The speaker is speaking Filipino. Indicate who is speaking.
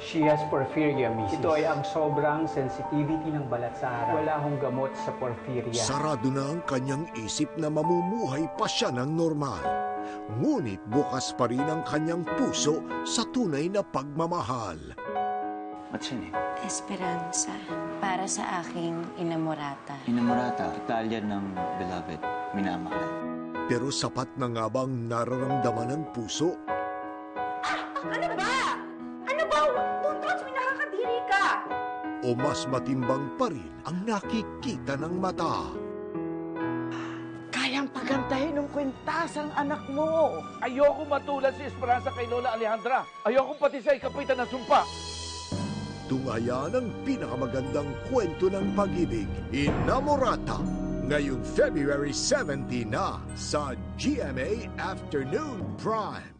Speaker 1: She has porphyria, Mrs. Ito ay ang sobrang sensitivity ng balat sa araw. Wala akong gamot sa porphyria.
Speaker 2: Sarado na ang kanyang isip na mamumuhay pa siya ng normal. Ngunit bukas pa rin ang kanyang puso sa tunay na pagmamahal.
Speaker 3: What's your name?
Speaker 4: Esperanza. Para sa aking inamorata.
Speaker 3: Inamorata, Italian ng beloved, minamahal.
Speaker 2: Pero sapat na nga bang nararamdaman ng puso?
Speaker 5: Ano ba? Ano ba? Don't touch me, nakakadiri ka!
Speaker 2: O mas matimbang pa rin ang nakikita ng mata?
Speaker 6: Kayang pagandahin ng kwintas ang anak mo.
Speaker 7: Ayoko matulad si Esperanza kay Lola Alejandra. Ayoko pati sa ikapitan na sumpa.
Speaker 2: Tunghayan ang pinakamagandang kwento ng pag-ibig, Inamorata, ngayong February 17 na sa GMA Afternoon Prime.